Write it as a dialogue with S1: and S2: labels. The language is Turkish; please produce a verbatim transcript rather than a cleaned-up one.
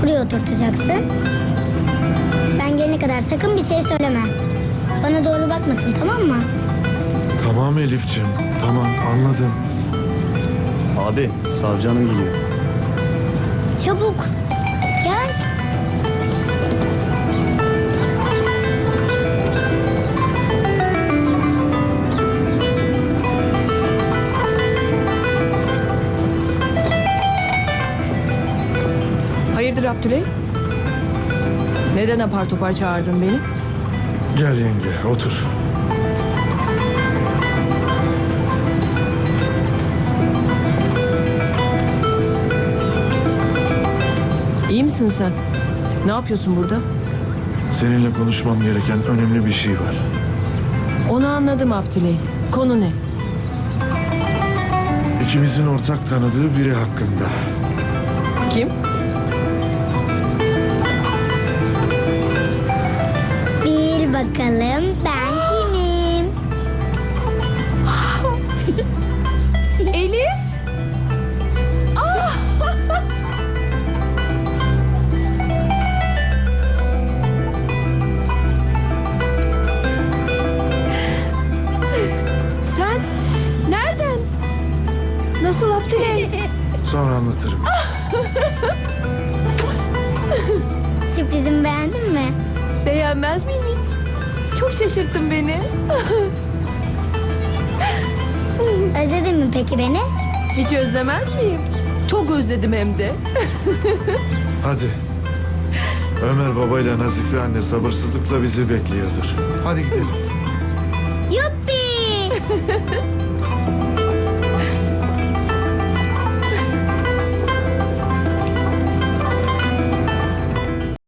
S1: buraya oturtacaksın. Ben gelene kadar sakın bir şey söyleme. Bana doğru bakmasın, tamam mı?
S2: Tamam Elif'ciğim, tamam anladım.
S3: Abi, savcı hanım geliyor.
S1: Çabuk gel.
S4: Hayırdır Abdüley? Neden apar topar çağırdın beni?
S2: Gel yenge, otur.
S4: İyi misin sen? Ne yapıyorsun burada?
S2: Seninle konuşmam gereken önemli bir şey var.
S4: Onu anladım Abdüley. Konu ne?
S2: İkimizin ortak tanıdığı biri hakkında.
S4: Kim?
S1: Bil bakalım ben kimim?
S4: Elif! Sen nereden? Nasıl Abdüley?
S2: Sonra anlatırım.
S1: Sürprizimi beğendin mi?
S4: Beğenmez miyim hiç? Çok şaşırttın beni.
S1: Özledin mi peki beni?
S4: Hiç özlemez miyim? Çok özledim hem de.
S2: Hadi. Ömer babayla Nazife anne sabırsızlıkla bizi bekliyordur. Hadi gidelim.
S1: Yuppi!